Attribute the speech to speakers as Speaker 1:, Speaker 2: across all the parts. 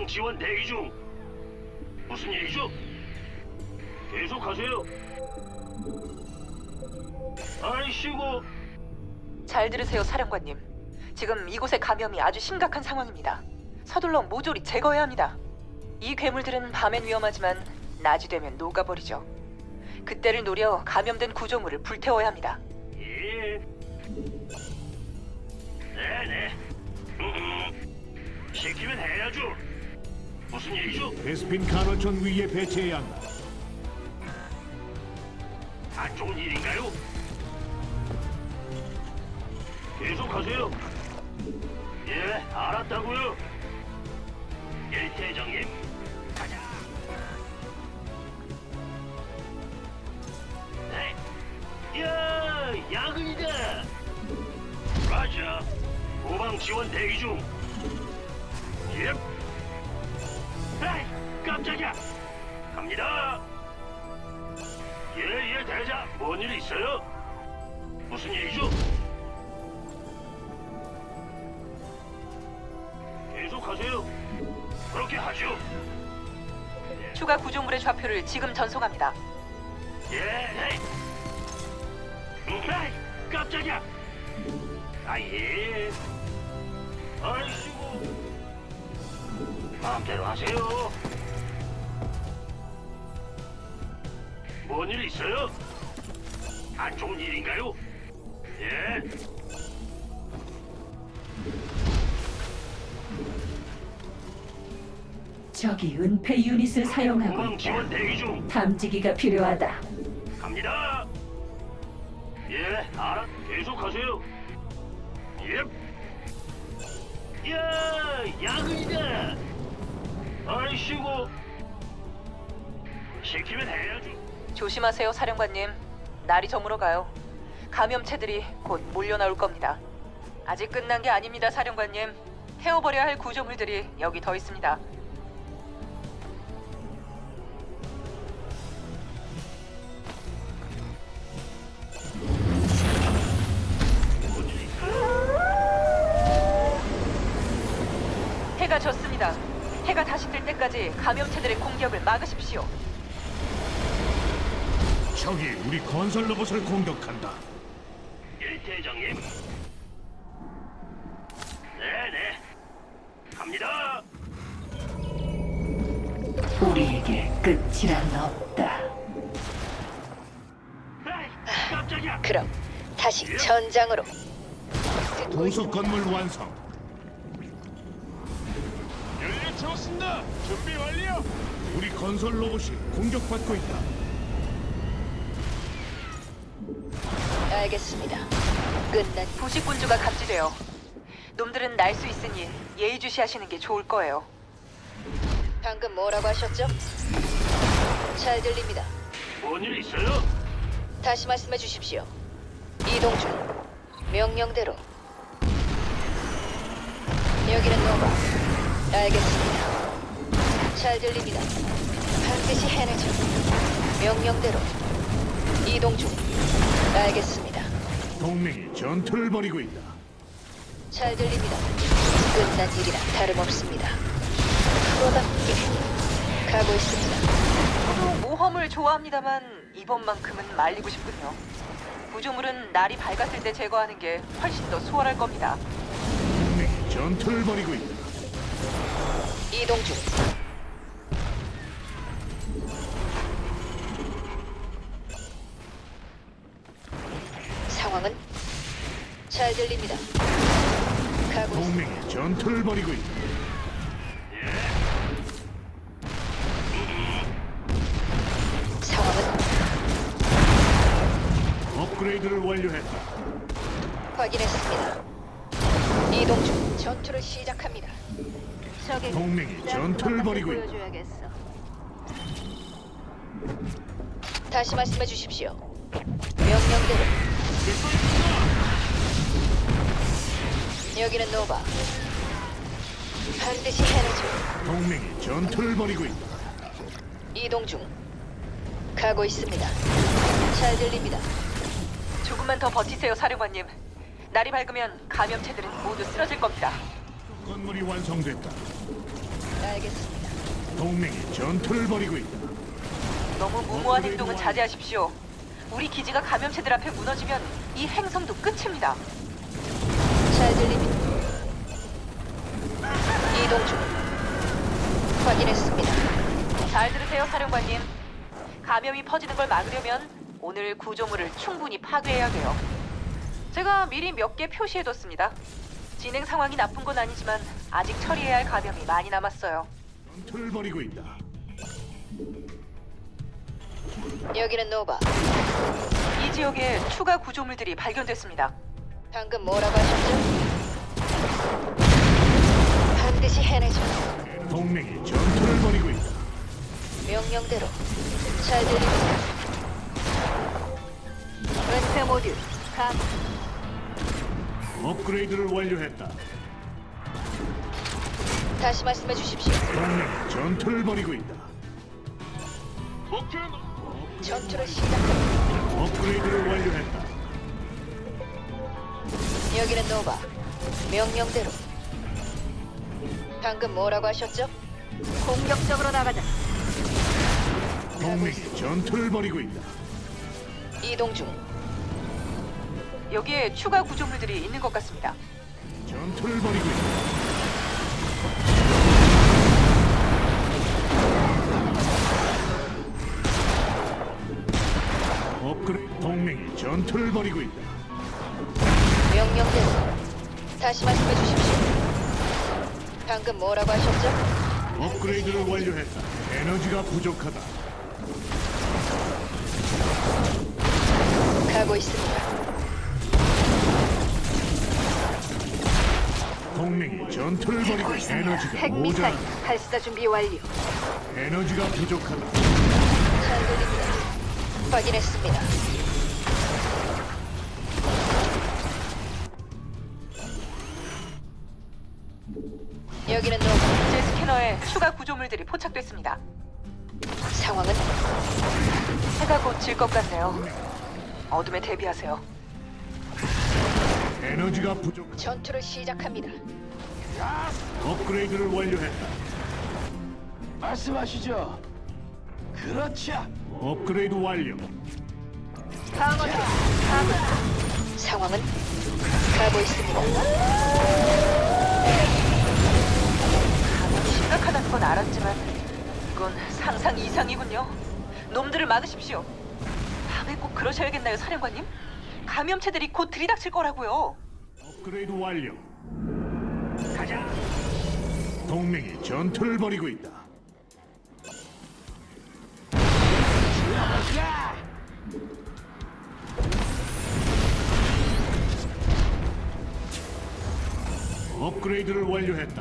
Speaker 1: 후방 지원 대기 중. 무슨 일이죠? 계속하세요. 아이씨고.
Speaker 2: 잘 들으세요, 사령관님. 지금 이곳의 감염이 아주 심각한 상황입니다. 서둘러 모조리 제거해야 합니다. 이 괴물들은 밤엔 위험하지만 낮이 되면 녹아버리죠. 그때를 노려 감염된 구조물을 불태워야 합니다.
Speaker 1: 예. 네네. 시키면 해야죠. 무슨 일이죠?
Speaker 3: 베스핀 간헐천 위에 배치해야 한다.
Speaker 1: 안 좋은 일인가요? 계속하세요. 예, 알았다고요. 예, 대장님. 가자. 네. 야, 야근이다. 라자. 후방 지원 대기 중. 예. 에이, 깜짝이야. 갑니다. 예, 대장. 뭔 일 있어요? 무슨 일이죠? 계속하세요. 그렇게 하죠.
Speaker 2: 추가 구조물의 좌표를 지금 전송합니다.
Speaker 1: 예, 에이. 에이, 깜짝이야. 아, 예. 아이씨고. 마음대로 하세요. 뭔 일 있어요? 안 좋은 일인가요? 예.
Speaker 4: 적이 은폐 유닛을 사용하고
Speaker 1: 후방 지원
Speaker 4: 있다.
Speaker 1: 대기 중.
Speaker 4: 탐지기가 필요하다.
Speaker 1: 갑니다. 예, 계속하세요. 예. 야, 야근이다. 아이씨고. 시키면 해야죠.
Speaker 2: 조심하세요, 사령관님. 날이 저물어 가요. 감염체들이 곧 몰려 나올 겁니다. 아직 끝난 게 아닙니다, 사령관님. 태워버려야 할 구조물들이 여기 더 있습니다. 해가 졌습니다. 해가 다시 뜰 때까지 감염체들의 공격을 막으십시오.
Speaker 3: 적이 우리 건설 로봇을 공격한다.
Speaker 1: 예, 대장님. 네네. 갑니다.
Speaker 4: 우리에게 끝이란 없다.
Speaker 1: 에이, 깜짝이야.
Speaker 2: 그럼 다시 전장으로.
Speaker 3: 도서 건물 완성.
Speaker 5: 연료 채웠습니다. 준비 완료.
Speaker 3: 우리 건설 로봇이 공격받고 있다.
Speaker 2: 알겠습니다. 끝난 부식군주가 감지되어 놈들은 날 수 있으니 예의주시하시는 게 좋을 거예요. 방금 뭐라고 하셨죠? 잘 들립니다.
Speaker 1: 뭔 일 있어요?
Speaker 2: 다시 말씀해 주십시오. 이동 중. 명령대로. 여기는 노바. 알겠습니다. 잘 들립니다. 반드시 해내죠. 명령대로. 이동 중. 알겠습니다.
Speaker 3: 동맹이 전투를 벌이고 있다.
Speaker 2: 잘 들립니다. 끝난 일이라 다름없습니다. 프로답게 가고 있습니다. 저도 모험을 좋아합니다만 이번만큼은 말리고 싶군요. 구조물은 날이 밝았을 때 제거하는 게 훨씬 더 수월할 겁니다.
Speaker 3: 동맹이 전투를 벌이고 있다.
Speaker 2: 이동 중. 상황은 잘 들립니다. 가고 있습니다.
Speaker 3: 동맹이 전투를 벌이고 있다.
Speaker 2: 상황은
Speaker 3: 업그레이드를 완료했다.
Speaker 2: 확인했습니다. 이동 중. 전투를 시작합니다. 적의
Speaker 3: 동맹이 전투를 벌이고 있다.
Speaker 2: 보여줘야겠어. 다시 말씀해 주십시오. 명령대로. 여기는 노바. 반드시 해내죠.
Speaker 3: 동맹이 전투를 벌이고 있다.
Speaker 2: 이동 중. 가고 있습니다. 잘 들립니다. 조금만 더 버티세요, 사령관님. 날이 밝으면 감염체들은 모두 쓰러질 겁니다.
Speaker 3: 건물이 완성됐다.
Speaker 2: 알겠습니다.
Speaker 3: 동맹이 전투를 벌이고 있다.
Speaker 2: 너무 무모한 행동은 자제하십시오. 우리 기지가 감염체들 앞에 무너지면 이 행성도 끝입니다. 잘 들립니다. 이동 중. 확인했습니다. 잘 들으세요, 사령관님. 감염이 퍼지는 걸 막으려면 오늘 구조물을 충분히 파괴해야 돼요. 제가 미리 몇 개 표시해뒀습니다. 진행 상황이 나쁜 건 아니지만 아직 처리해야 할 감염이 많이 남았어요.
Speaker 3: 전투를 벌이고 있다.
Speaker 2: 여기는 노바. 이 지역에 추가 구조물들이 발견됐습니다. 방금 뭐라고 하셨죠? 반드시 해내죠.
Speaker 3: 동맹이 전투를 벌이고 있다.
Speaker 2: 명령대로. 잘 들립니다. 은폐 모듈 감.
Speaker 3: 업그레이드를 완료했다.
Speaker 2: 다시 말씀해 주십시오.
Speaker 3: 동맹이 전투를 벌이고 있다.
Speaker 5: 목표는
Speaker 2: 전투를 시작합니다.
Speaker 3: 업그레이드를 완료했다.
Speaker 2: 여기는 노바. 명령대로. 방금 뭐라고 하셨죠? 공격적으로 나가자.
Speaker 3: 동맹이 전투를 벌이고 있다.
Speaker 2: 이동 중. 여기에 추가 구조물들이 있는 것 같습니다.
Speaker 3: 전투를 벌이고 있다. 업그레이드 동맹이 전투를 벌이고 있다.
Speaker 2: 명령대로. 다시 말씀해 주십시오. 방금 뭐라고 하셨죠?
Speaker 3: 업그레이드를 완료했다. 에너지가 부족하다.
Speaker 2: 가고 있습니다.
Speaker 3: 동맹이 전투를 벌이고 있다. 에너지가
Speaker 2: 핵미사일
Speaker 3: 모자라.
Speaker 2: 발사 준비 완료.
Speaker 3: 에너지가 부족하다.
Speaker 2: 잘 들립니다. 확인했습니다. 여기는 노바. 제 스캐너에 추가 구조물들이 포착됐습니다. 상황은? 해가 곧 질 것 같네요. 어둠에 대비하세요.
Speaker 3: 에너지가 부족.
Speaker 2: 전투를 시작합니다.
Speaker 3: 업그레이드를 완료했다.
Speaker 5: 말씀하시죠. 그렇죠.
Speaker 3: 업그레이드 완료.
Speaker 2: 방어다. 방어. 상황은? 가고 있습니다. 감염이 심각하다는 건 알았지만 이건 상상 이상이군요. 놈들을 막으십시오. 밤에 꼭 그러셔야겠나요, 사령관님? 감염체들이 곧 들이닥칠 거라고요.
Speaker 3: 업그레이드 완료. 가자. 동맹이 전투를 벌이고 있다. 업그레이드를 완료했다.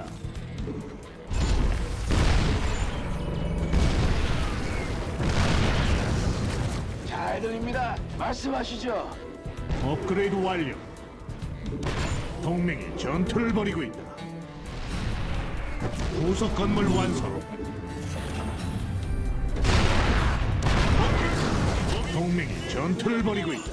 Speaker 5: 잘 들립니다. 말씀하시죠.
Speaker 3: 업그레이드 완료. 동맹이 전투를 벌이고 있다. 부속 건물 완성. 동맹이 전투를 벌이고 있다.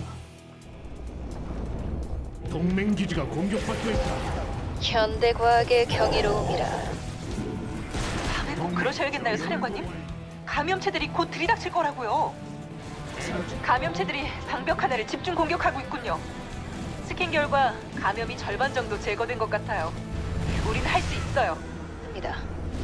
Speaker 3: 동맹 기지가 공격받고 있다.
Speaker 2: 현대과학의 경이로움이라. 밤에 꼭 그러셔야겠나요, 사령관님? 감염체들이 곧 들이닥칠 거라고요. 감염체들이 방벽 하나를 집중 공격하고 있군요. 스캔 결과 감염이 절반 정도 제거된 것 같아요. 우린 할 수 있어요. 입니다.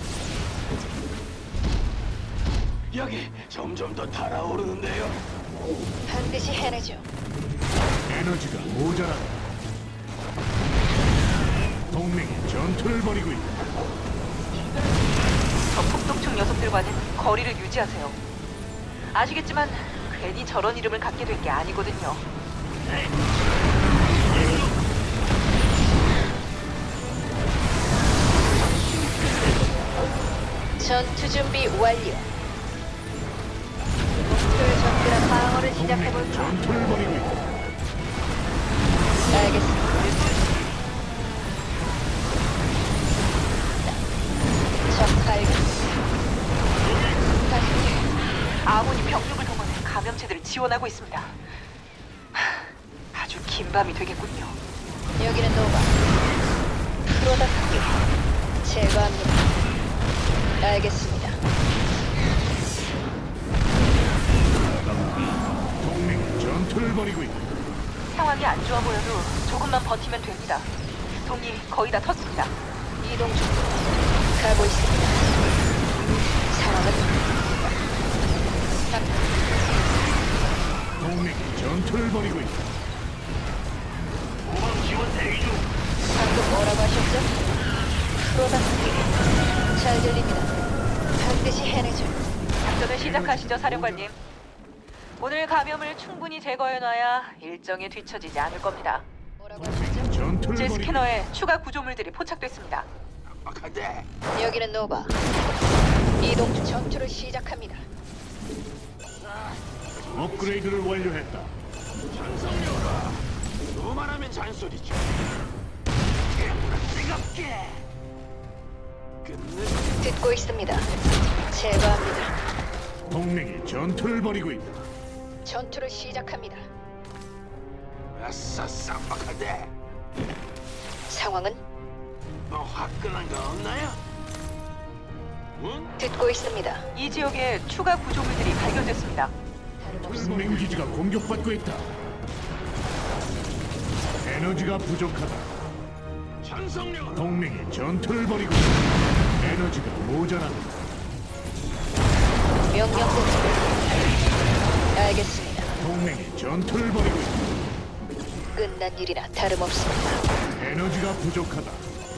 Speaker 5: 여기 점점 더 달아오르는데요.
Speaker 2: 반드시 해내죠.
Speaker 3: 에너지가 모자란다. 동맹이 전투를 벌이고 있다.
Speaker 2: 저 폭독충 녀석들과는 거리를 유지하세요. 아시겠지만 괜히 저런 이름을 갖게 된 게 아니거든요. 전투 준비 완료. 목표를 적들한 방어를
Speaker 3: 동맹이
Speaker 2: 시작해볼까?
Speaker 3: 전투를 벌이고 있다.
Speaker 2: 알겠습니다. 적 발견. 다시. 아몬이 병력을 동원해 감염체들을 지원하고 있습니다. 아주 긴 밤이 되겠군요. 여기는 노바. 프로답게 제거합니다. 알겠습니다.
Speaker 3: 동맹이 전투를 벌이고 있다.
Speaker 2: 상황이 안 좋아 보여도 조금만 버티면 됩니다. 동이 거의 다 텄습니다. 이동 중. 가고 있습니다. 상황은
Speaker 3: 동맹이 전투를 벌이고 있다.
Speaker 1: 후방 지원 대기 중.
Speaker 2: 방금 뭐라고 하셨죠? 프로답게 잘 들립니다. 반드시 해내죠. 작전을 시작하시죠, 사령관님. 오늘 감염을 충분히 제거해놔야 일정에 뒤처지지 않을 겁니다. 뭐라고 하셨죠?
Speaker 3: 전투를
Speaker 2: 제
Speaker 3: 벌이고
Speaker 2: 스캐너에 추가 구조물들이 포착됐습니다.
Speaker 5: 빡빡한데.
Speaker 2: 여기는 노바. 이동 중 전투를 시작합니다.
Speaker 3: 업그레이드를 완료했다.
Speaker 5: 전성녀라. 그만하면 잔소리죠. 뜨겁게. 끝내.
Speaker 2: 듣고 있습니다. 제거합니다.
Speaker 3: 동맹이 전투를 벌이고 있다.
Speaker 2: 전투를 시작합니다.
Speaker 5: 아싸 쌈박한데.
Speaker 2: 상황은
Speaker 5: 뭐 화끈한 거 없나요? 응?
Speaker 2: 듣고 있습니다. 이 지역에 추가 구조물들이 발견됐습니다.
Speaker 3: 동맹 기지가 공격받고 있다. 에너지가 부족하다.
Speaker 5: 전성녀라.
Speaker 3: 동맹이 전투를 벌이고 있다. 에너지가 모자란다.
Speaker 2: 명령대로. 알겠습니다.
Speaker 3: 동맹이 전투를 벌이고 있다.
Speaker 2: 끝난 일이나 다름없습니다.
Speaker 3: 에너지가 부족하다.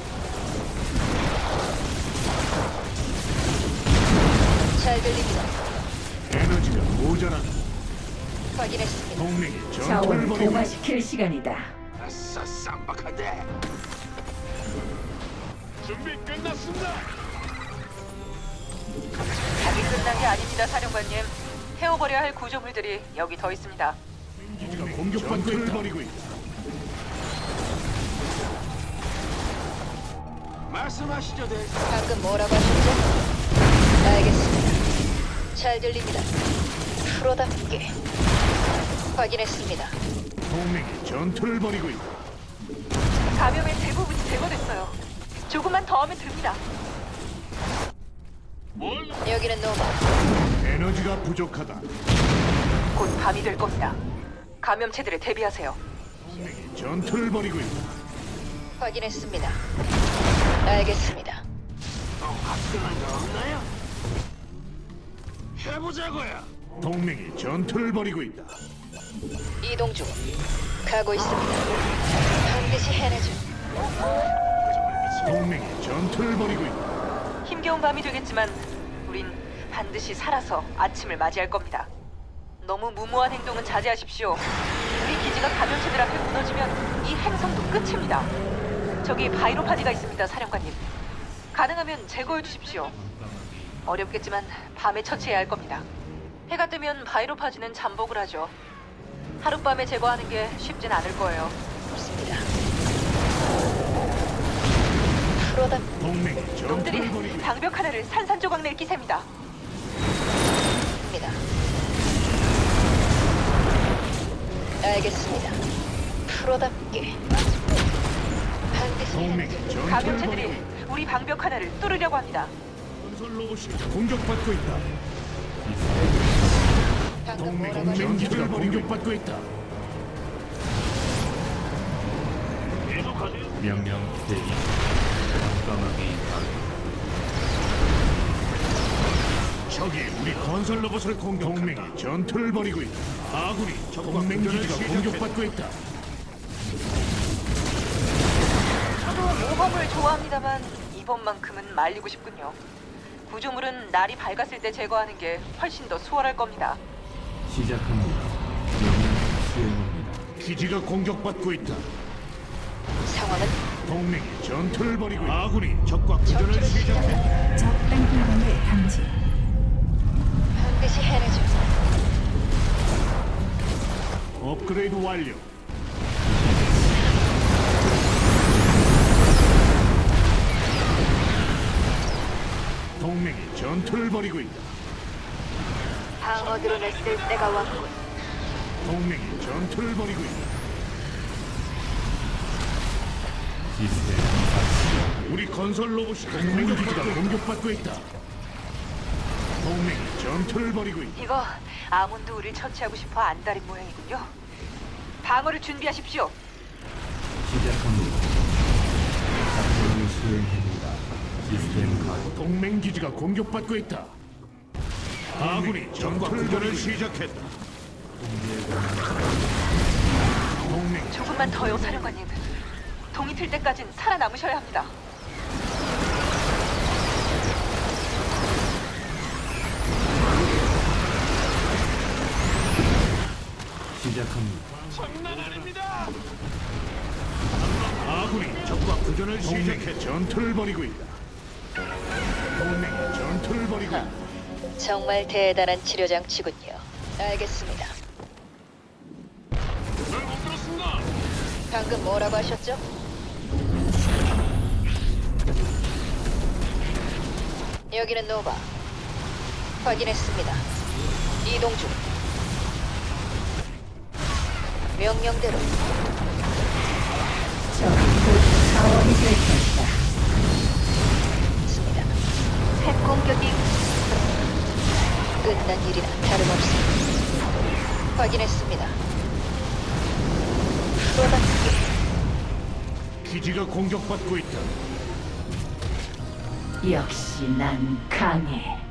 Speaker 2: 잘 들립니다.
Speaker 3: 에너지가 모자란다.
Speaker 2: 확인했습니다.
Speaker 3: 동맹이 전투를
Speaker 4: 자원을
Speaker 3: 벌이고 있다.
Speaker 4: 동화시킬 시간이다.
Speaker 5: 아싸 쌈박한데. 준비 끝났습니다.
Speaker 2: 아직 끝난 게 아닙니다, 사령관님. 태워버려야 할 구조물들이 여기 더 있습니다.
Speaker 3: 기지가 공격받고 있다. 벌이고 있다.
Speaker 5: 말씀하시죠, 대.
Speaker 2: 방금 뭐라고 하셨죠? 알겠습니다. 잘 들립니다. 프로답게. 확인했습니다.
Speaker 3: 동맹이 전투를 벌이고 있다.
Speaker 2: 감염의 대부분이 제거됐어요. 조금만 더 하면 됩니다. 여기는 노바.
Speaker 3: 에너지가 부족하다.
Speaker 2: 곧 밤이 될 겁니다. 감염체들에 대비하세요.
Speaker 3: 동맹이 전투를 벌이고 있다.
Speaker 2: 확인했습니다. 알겠습니다.
Speaker 5: 뭐 화끈한 거 없나요? 해보자고요.
Speaker 3: 동맹이 전투를 벌이고 있다.
Speaker 2: 이동 중. 가고 있습니다. 반드시 해내죠.
Speaker 3: 동맹이 전투를 벌이고 있다.
Speaker 2: 힘겨운 밤이 되겠지만 우린 반드시 살아서 아침을 맞이할 겁니다. 너무 무모한 행동은 자제하십시오. 우리 기지가 감염체들 앞에 무너지면 이 행성도 끝입니다. 저기 바이로파지가 있습니다, 사령관님. 가능하면 제거해 주십시오. 어렵겠지만 밤에 처치해야 할 겁니다. 해가 뜨면 바이로파지는 잠복을 하죠. 하룻밤에 제거하는 게 쉽진 않을 거예요. 없습니다. 프로답
Speaker 3: 동맹이
Speaker 2: 놈들이
Speaker 3: 전투를 벌이고 있다.
Speaker 2: 방벽 하나를 산산조각 낼 기세입니다. 입니다. 알겠습니다. 프로답게 반드시
Speaker 3: 동맹이 전투를
Speaker 2: 감염체들이
Speaker 3: 벌이고 있다.
Speaker 2: 우리 방벽 하나를 뚫으려고 합니다.
Speaker 3: 건설 로봇이 공격받고 있다.
Speaker 2: 방금
Speaker 3: 동맹
Speaker 2: 뭐라고 하셨죠?
Speaker 3: 기지가 공격받고 있다.
Speaker 1: 계속하세요.
Speaker 6: 명령 대기. 깜깜하게 임하라.
Speaker 3: 적이 우리 건설 로봇을 공격. 동맹이 전투를 벌이고 있다. 아군이 동맹 기지가 공격받고 있다.
Speaker 2: 저도 모험을 좋아합니다만 이번만큼은 말리고 싶군요. 구조물은 날이 밝았을 때 제거하는 게 훨씬 더 수월할 겁니다.
Speaker 6: 시작합니다. 명령 수행합니다.
Speaker 3: 기지가 공격받고 있다.
Speaker 2: 상황은
Speaker 3: 동맹이 전투를 벌이고 있다. 아군이 적과 교전을
Speaker 2: 전투를
Speaker 3: 시작했다.
Speaker 2: 시작합니다.
Speaker 7: 적 땅굴범을 감지.
Speaker 2: 반드시 해내죠.
Speaker 3: 업그레이드 완료. 동맹이 전투를 벌이고 있다.
Speaker 2: 방어 드론을 쓸 때가 왔군.
Speaker 3: 동맹이 전투를 벌이고 있다.
Speaker 6: 시스템
Speaker 3: 우리 건설 로봇이 동맹 기지가 공격받고 있다. 동맹이 전투를 벌이고 있다.
Speaker 2: 이거 아몬드 우리를 처치하고 싶어 안달인 모양이군요. 방어를 준비하십시오.
Speaker 6: 시작합니다. 작전을 수행합니다. 시스템 가동.
Speaker 3: 동맹 기지가 공격받고 있다. 아군이 전투를 벌이고 시작했다. 동맹
Speaker 2: 조금만 더요, 사령관님. 동이 틀 때까진 살아남으셔야 합니다.
Speaker 6: 시작합니다.
Speaker 5: 장난 아닙니다.
Speaker 3: 아군이 적과 교전을 시작해 전투를 벌이고 있다. 동맹이 전투를 벌이고 있다.
Speaker 2: 정말 대단한 치료 장치군요. 알겠습니다.
Speaker 5: 잘못 들었습니다.
Speaker 2: 방금 뭐라고 하셨죠? 여기는 노바. 확인했습니다. 이동 중. 명령대로
Speaker 4: 적이 곧 자원이 될 것이다.
Speaker 2: 있습니다. 핵 공격이 끝난 일이나 다름없습니다. 확인했습니다. 프로답게
Speaker 3: 기지가 공격받고 있다.
Speaker 4: 역시 난 강해.